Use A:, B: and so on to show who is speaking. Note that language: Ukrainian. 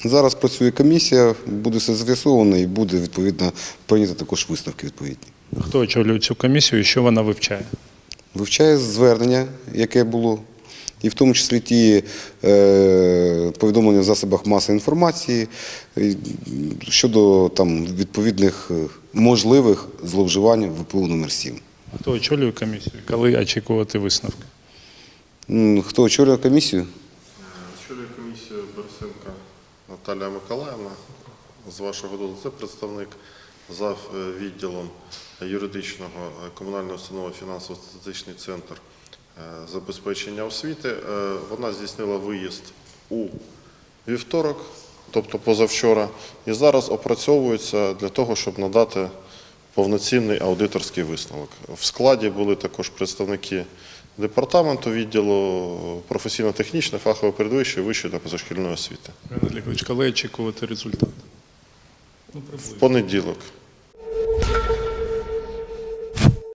A: Зараз працює комісія, буде все з'ясовано і буде, відповідно, прийнято також висновки відповідні.
B: Хто очолює цю комісію і що вона вивчає?
A: Вивчає звернення, яке було, і в тому числі ті повідомлення в засобах масової інформації щодо відповідних можливих зловживань ВПУ номер 7.
B: Хто очолює комісію? Коли очікувати висновки?
A: Хто очолює комісію?
C: Очолює комісію Борисенко Наталія Миколаївна. З вашого дозволу, це представник зав. Відділом юридичного комунальної установи фінансово-статистичний центр забезпечення освіти. Вона здійснила виїзд у вівторок, тобто позавчора, і зараз опрацьовується для того, щоб надати повноцінний аудиторський висновок. В складі були також представники департаменту відділу професійно-технічної, фахової передвищої, вищої та позашкільної освіти.
B: Коли очікувати результат?
C: В понеділок.